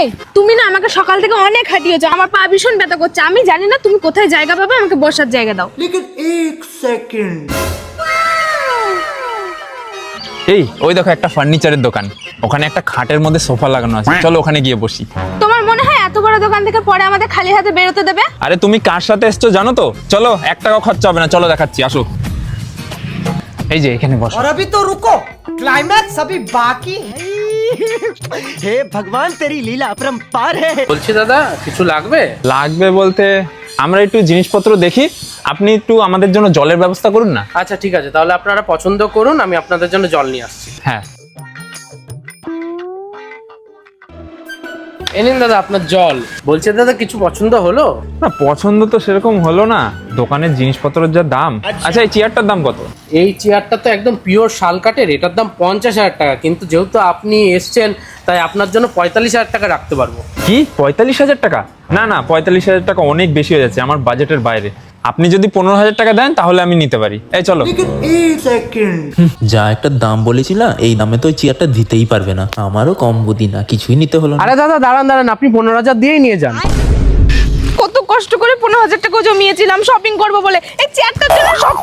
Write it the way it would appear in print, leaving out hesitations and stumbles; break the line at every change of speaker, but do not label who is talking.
এই তুমি না আমাকে সকাল থেকে অনেক হাঁটিয়েছো, আমার পা ভীষণ ব্যথা করছে। আমি জানি না তুমি কোথায় জায়গা পাবে, আমাকে বসার জায়গা দাও।
लेकिन एक सेकंड।
এই ওই দেখো একটা ফার্নিচারের দোকান, ওখানে একটা খাটের মধ্যে সোফা লাগানো আছে, চলো ওখানে গিয়ে বসি।
তোমার মনে হয় এত বড় দোকান থেকে পরে আমাদের খালি হাতে বেরোতে দেবে?
আরে তুমি কার সাথে এসছো জানো তো? চলো 1 টাকা খরচা হবে না, চলো দেখাচ্ছি, আসো। এই যে এখানে বসো।
और अभी तो रुको, क्लाइमैक्स अभी बाकी है। हे भगवान तेरी लीला अपरंपार है।
বলছি দাদা কিছু লাগবে?
লাগবে বলতে আমরা একটু জিনিসপত্র দেখি, আপনি একটু আমাদের জন্য জলের ব্যবস্থা করুন না।
আচ্ছা ঠিক আছে, তাহলে আপনারা পছন্দ করুন, আমি আপনাদের জন্য জল নিয়ে আসছি।
হ্যাঁ
এই নিন দাদা আপনার জল। বলছি দাদা কিছু পছন্দ হলো?
না, পছন্দ তো সেরকম হলো না, দোকানের জিনিসপত্রের যা দাম। আচ্ছা এই চেয়ারটার দাম কত?
এই চেয়ারটা তো একদম পিওর শাল কাঠের, এটার দাম 50,000 টাকা, কিন্তু যেহেতু আপনি এসছেন তাই আপনার জন্য 45,000 টাকা রাখতে পারবো।
কি 45,000 টাকা? না না, 45,000 টাকা অনেক বেশি হয়ে যাচ্ছে, আমার বাজেটের বাইরে। আপনি যদি 15,000 টাকা দেন তাহলে আমি নিতে পারি। এই চলো।
लेकिन एक सेकंड।
যা একটা দাম বলেছিলা, এই দামে তো ওই চেয়ারটা দিতেই পারবে না। আমারও কম বুদ্ধি না, কিছুই নিতে হলো না।
আরে দাদা দাঁড়ান দাঁড়ান, আপনি 15,000 দিয়েই নিয়ে যান।
কত কষ্ট করে 15,000 টাকা জমিয়েছিলাম শপিং করব বলে, এই চেয়ারটার জন্য সব